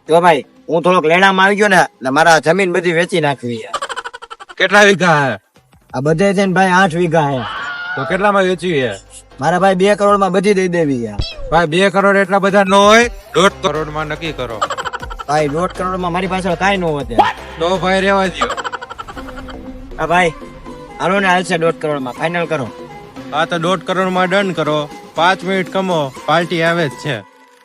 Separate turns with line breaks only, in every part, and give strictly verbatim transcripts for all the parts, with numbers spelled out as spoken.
તો ભાઈ હું થોડોક લેણામાં આવી ગયો ને એટલે મારા જમીન બધી વેચી નાખવી છે.
કેટલા વીઘા હે?
આ બધે છે ને ભાઈ આઠ વીઘા હે.
તો કેટલામાં વેચવી હે?
મારા ભાઈ બે કરોડ માં બધી દઈ દેવી છે.
ભાઈ બે કરોડ એટલા બધા ન હોય, દોઢ કરોડ માં નક્કી કરો.
ભાઈ દોઢ કરોડ માં મારી પાસે કાંઈ ન વધે.
તો ભાઈ રેવા દો.
હા ભાઈ હાલો ને હાલશે દોઢ કરોડ માં ફાઇનલ કરો.
હા તો દોઢ કરોડ માં ડન કરો. પાંચ મિનિટ કમો, પાર્ટી આવે જ છે.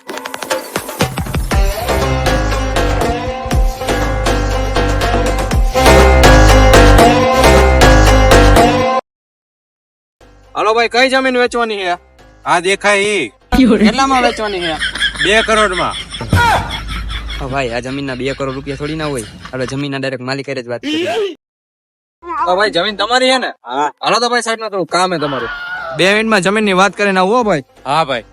હાલો ભાઈ, કઈ જમીન વેચવાની છે?
આ દેખાય ઈ
કેટલામાં વેચવાની છે?
બે કરોડ માં.
ભાઈ આ જમીન ના બે કરોડ રૂપિયા થોડી ના હોય. આપણે જમીન ના ડાયરેક્ટ માલિક જ વાત કરીએ.
તો ભાઈ જમીન તમારી છે ને?
હા
હાલો તો ભાઈ સાઈડ માં થોડું કામ હે તમારું. બે મિનિટ માં જમીન ની વાત કરીને આવો ભાઈ.
હા ભાઈ.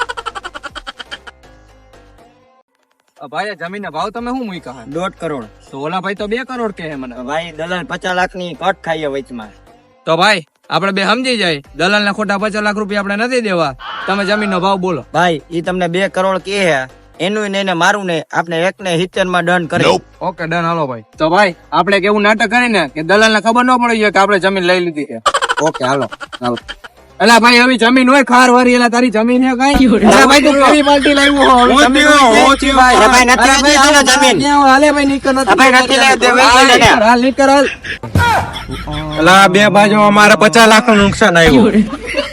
ભાઈ આ જમીન ના ભાવ તમે શું મૂક્યા હે?
દોઢ કરોડ.
તો ઓલા ભાઈ તો બે કરોડ કે હે મને.
ભાઈ દલાલ પચાસ લાખ ની કટ ખાઈએ વચમાં.
તો ભાઈ આપણે બે સમજી જાય, દલાલ ને ખોટા પચાસ લાખ રૂપિયા આપણે નથી દેવા. તમે જમીન નો ભાવ બોલો.
ભાઈ ઈ તમને બે કરોડ કે હે, એનું ને એને મારું ને આપણે એક ને સિત્તેર માં ડન કરી.
Okay done. હાલો ભાઈ. તો ભાઈ આપણે કેવું નાટક કરીને કે દલાલ ને ખબર ન પડી જાય કે આપણે જમીન લઈ લીધી છે.
ઓકે હાલો હાલો.
એલા ભાઈ હવે જમીન હોય ખાર વારી, એલા તારી જમીન હે કઈ? એલા ભાઈ તું કેવી પાર્ટી લાવ્યો હો? હવે જમીન હોય છે.
અરે ભાઈ નથી
અરે ભાઈ
લેતી જમીન.
ક્યાં હાલે ભાઈ? નીકળ નથી.
ભાઈ નથી લેતી, ભાઈ
હાલ
નથી લેતી.
નીકળ, હાલ નીકળ હાલ.
એટલે આ બે બાજુ અમારે પચાસ લાખ નું નુકસાન આવ્યું.